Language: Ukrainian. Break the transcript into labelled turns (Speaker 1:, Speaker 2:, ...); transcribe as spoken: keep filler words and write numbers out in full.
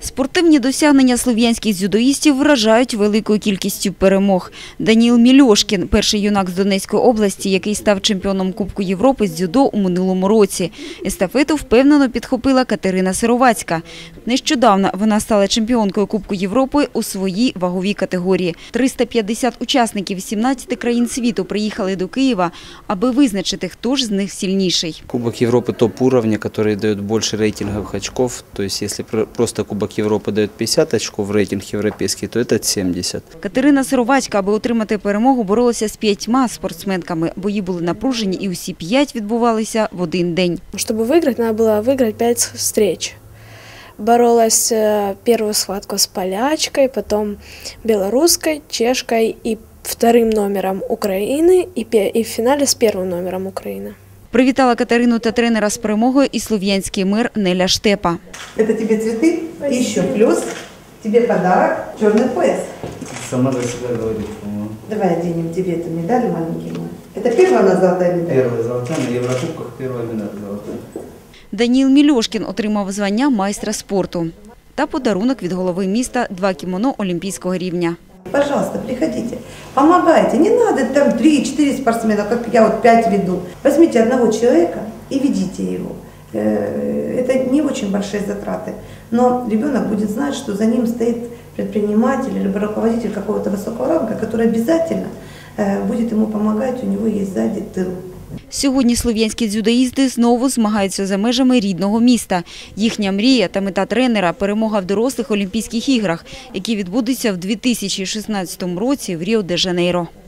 Speaker 1: Спортивні досягнення слов'янських дзюдоїстів вражають великою кількістю перемог. Даніл Мільошкін – перший юнак з Донецької області, який став чемпіоном Кубку Європи з дзюдо у минулому році. Естафету впевнено підхопила Катерина Сировацька. Нещодавно вона стала чемпіонкою Кубку Європи у своїй ваговій категорії. триста п'ятдесят учасників із сімнадцяти країн світу приїхали до Києва, аби визначити, хто ж з них сильніший.
Speaker 2: Кубок Європи топ-уровня, який дає більше рейтингових очков. Тобто, якщо просто Кубок Європи дає п'ятдесят очков, рейтинг європейський, то це сімдесят.
Speaker 1: Катерина Сировацька, аби отримати перемогу, боролася з п'ятьма спортсменками. Бої були напружені і усі п'ять відбувалися в один день.
Speaker 3: Щоб виграти, треба було виграти п'ять зустріч. Боролась первую схватку с полячкой, потом белорусской, чешкой и вторым номером Украины, и в финале с первым номером Украины.
Speaker 1: Привітала Катерину та тренера з перемогою і слов'янський мир Неля Штепа.
Speaker 4: Это тебе цветы, и еще плюс тебе подарок – черный пояс.
Speaker 2: Сама за себя говорит, по-моему.
Speaker 4: Давай оденем тебе эту медаль маленькую. Это первая у нас золотая медаль?
Speaker 2: Первая золотая, на Еврокубках первая медаль золотая.
Speaker 1: Даніл Мільошкін отримав звання майстра спорту та подарунок від голови міста – два кімоно олімпійського рівня.
Speaker 4: Пожалуйста, приходите, помогайте. Не надо там три-четыре спортсмена, как я вот пять веду. Возьмите одного человека и ведите его. Это не очень большие затраты, но ребенок будет знать, что за ним стоит предприниматель или руководитель какого-то высокого ранга, который обязательно будет ему помогать, у него есть сзади тыл.
Speaker 1: Сьогодні слов'янські дзюдоїсти знову змагаються за межами рідного міста. Їхня мрія та мета тренера – перемога в дорослих Олімпійських іграх, які відбудуться в дві тисячі шістнадцятому році в Ріо-де-Жанейро.